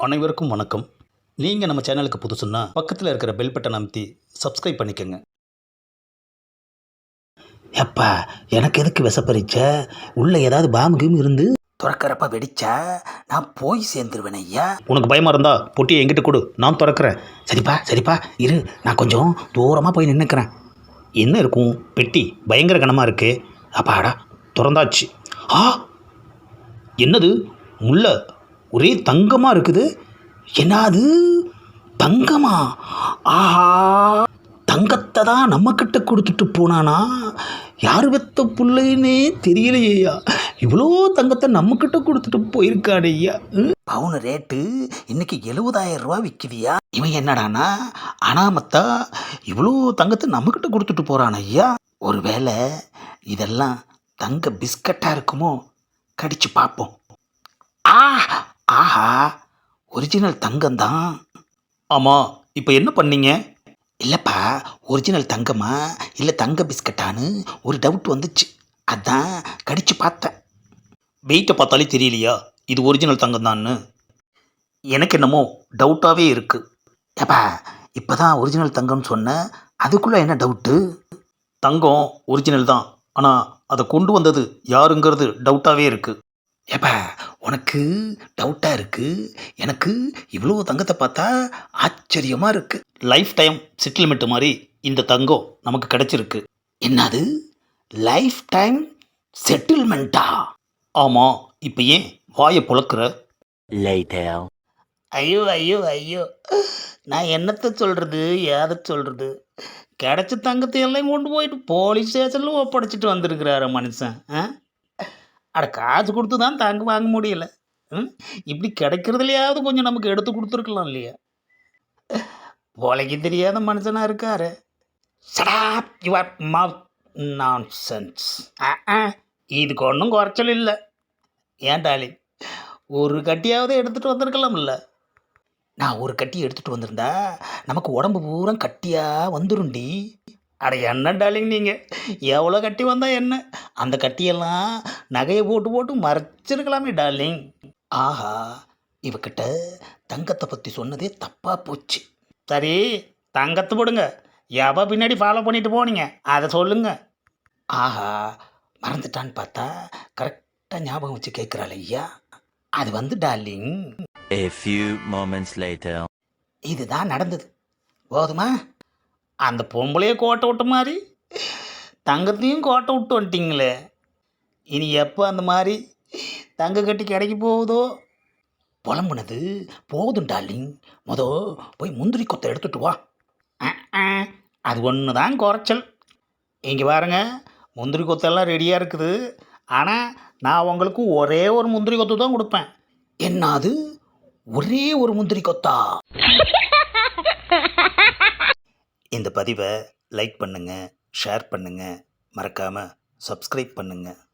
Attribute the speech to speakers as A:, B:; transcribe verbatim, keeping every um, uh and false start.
A: அனைவருக்கும் வணக்கம். நீங்கள் நம்ம சேனலுக்கு புதுசுன்னா பக்கத்தில் இருக்கிற பெல் பட்டன் அமைத்தி சப்ஸ்கிரைப் பண்ணிக்கோங்க.
B: எப்பா எனக்கு எதுக்கு விஷப்பறிச்ச? உள்ளே ஏதாவது பாம்பு கீம் இருந்து திறக்கிறப்ப வெடிச்சா நான் போய் சேர்ந்துருவேன் ஐயா.
A: உனக்கு பயமாக இருந்தா பொட்டியை எங்கிட்ட கொடு, நான் திறக்கிறேன்.
B: சரிப்பா சரிப்பா இரு, நான் கொஞ்சம் தூரமாக போய் நின்றுக்கிறேன்.
A: என்ன இருக்கும்? பெட்டி பயங்கர கனமாக இருக்கு.
B: அப்பாடா,
A: திறந்தாச்சு. ஆ, என்னது? முல்லை ஒரே தங்கமாக இருக்குது.
B: என்னது தங்கமா? ஆஹா, தங்கத்தை தான் நம்மக்கிட்ட கொடுத்துட்டு போனானா? யார் வெத்த பிள்ளைன்னே தெரியலையா? இவ்வளோ தங்கத்தை நம்மக்கிட்ட கொடுத்துட்டு போயிருக்காடு ஐயா. பவுன் ரேட்டு இன்னைக்கு எழுபதாயிரம் ரூபா விற்கிதியா? இவன் என்னடானா அனாமத்தா இவ்வளோ தங்கத்தை நம்மக்கிட்ட கொடுத்துட்டு போகிறான் ஐயா. ஒருவேளை இதெல்லாம் தங்க பிஸ்கட்டாக இருக்குமோ? கடிச்சு பார்ப்போம். ஆ, ஆஹா, ஒரிஜினல் தங்கம்தான்.
A: ஆமாம், இப்போ என்ன பண்ணீங்க?
B: இல்லைப்பா, ஒரிஜினல் தங்கமா இல்லை தங்க பிஸ்கட்டான்னு ஒரு டவுட் வந்துச்சு, அதான் கடிச்சு பார்த்தேன்.
A: வெயிட்டை பார்த்தாலே தெரியலையா இது ஒரிஜினல் தங்கம் தான்னு? எனக்கு என்னமோ டவுட்டாகவே இருக்குது.
B: ஏப்பா, இப்போ தான் ஒரிஜினல் தங்கம்னு சொன்னேன், அதுக்குள்ளே என்ன டவுட்டு?
A: தங்கம் ஒரிஜினல் தான், ஆனால் அதை கொண்டு வந்தது யாருங்கிறது டவுட்டாகவே இருக்குது.
B: ஏப்பா, உனக்கு டவுட்டாக இருக்குது, எனக்கு இவ்வளோ தங்கத்தை பார்த்தா ஆச்சரியமாக இருக்குது.
A: லைஃப் டைம் செட்டில்மெண்ட் மாதிரி இந்த தங்கம் நமக்கு கிடைச்சிருக்கு.
B: என்னது லைஃப் டைம் செட்டில்மெண்ட்டா?
A: ஆமாம், இப்போ ஏன் வாயை புழக்கிற?
B: ஐயோ ஐயோ ஐயோ, நான் என்னத்தை சொல்கிறது, ஏதை சொல்கிறது? கிடைச்ச தங்கத்தை எல்லாம் கொண்டு போயிட்டு போலீஸ் ஸ்டேஷனில் ஒப்படைச்சிட்டு வந்திருக்கிறாரு மனுஷன். ஆ, அட காசு கொடுத்து தான் தங்கம் வாங்க முடியல. ம், இப்படி கிடைக்கிறதுலையாவது கொஞ்சம் நமக்கு எடுத்து கொடுத்துருக்கலாம் இல்லையா? போலைக்கு தெரியாத மனுஷனாக இருக்காரு. Shut up your mouth nonsense. இதுக்கு ஒன்றும் குறைச்சல் இல்லை. ஏன் டாலி, ஒரு கட்டியாவது எடுத்துகிட்டு வந்திருக்கலாம்ல? நான் ஒரு கட்டி எடுத்துகிட்டு வந்திருந்தா நமக்கு உடம்பு பூரா கட்டியாக வந்துருண்டி. அட என்ன டாலிங், நீங்கள் எவ்வளோ கட்டி வந்தால் என்ன? அந்த கட்டியெல்லாம் நகையை போட்டு போட்டு மறைச்சிருக்கலாமே டார்லிங். ஆஹா, இவக்கிட்ட தங்கத்தை பற்றி சொன்னதே தப்பாக போச்சு. சரி, தங்கத்தை போடுங்க. எவ பின்னாடி ஃபாலோ பண்ணிட்டு போனீங்க அதை சொல்லுங்க. ஆஹா, மறந்துட்டான்னு பார்த்தா கரெக்டாக ஞாபகம் வச்சு கேட்குறாள் ஐயா. அது வந்து darling,
C: A few moments later.
B: இதுதான் நடந்தது. போதுமா? அந்த பொம்பளையே கோட்டை விட்ட மாதிரி தங்கத்தையும் கோட்டை விட்டு வந்துட்டிங்களே. இனி எப்போ அந்த மாதிரி தங்க கட்டி கிடைக்க போகுதோ? புலம்புனது போதும் டார்லிங், மொத போய் முந்திரி கொத்தை எடுத்துட்டு வா. அது ஒன்று தான் குறைச்சல். இங்கே பாருங்க, முந்திரி கொத்தெல்லாம் ரெடியாக இருக்குது. ஆனால் நான் உங்களுக்கு ஒரே ஒரு முந்திரி கொத்து தான் கொடுப்பேன். என்னது, ஒரே ஒரு முந்திரி கொத்தா?
A: இந்த பதிவை லைக் பண்ணுங்கள், ஷேர் பண்ணுங்கள், மறக்காமல் சப்ஸ்கிரைப் பண்ணுங்கள்.